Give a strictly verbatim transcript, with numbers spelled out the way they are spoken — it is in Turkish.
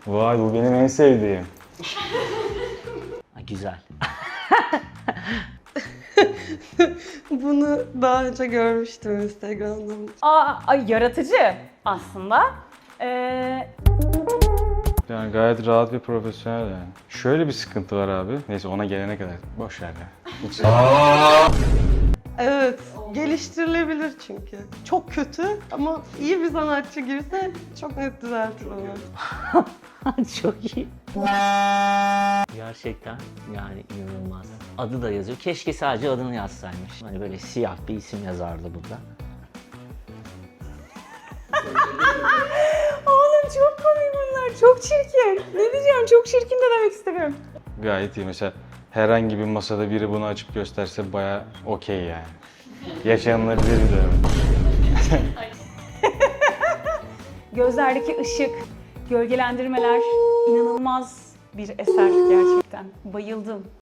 Vay, bu benim en sevdiğim. Ha, güzel. Bunu daha önce görmüştüm Instagram'da. Aa, ay yaratıcı aslında. Ee, Yani gayet rahat ve profesyonel yani. Şöyle bir sıkıntı var abi. Neyse, ona gelene kadar boş ver ya. Hiç... Evet, geliştirilebilir çünkü. Çok kötü ama iyi bir sanatçı girse çok net düzeltir onu. Çok iyi. Gerçekten yani inanılmaz. Adı da yazıyor. Keşke sadece adını yazsaymış. Hani böyle siyah bir isim yazardı burada. Oğlum çok komik bunlar. Çok çirkin. Ne diyeceğim? Çok çirkin de demek istemiyorum. Gayet iyi. Mesela herhangi bir masada biri bunu açıp gösterse bayağı okey yani. Yaşanılabilir bir durum. Gözlerdeki ışık, gölgelendirmeler inanılmaz bir eser gerçekten. Bayıldım.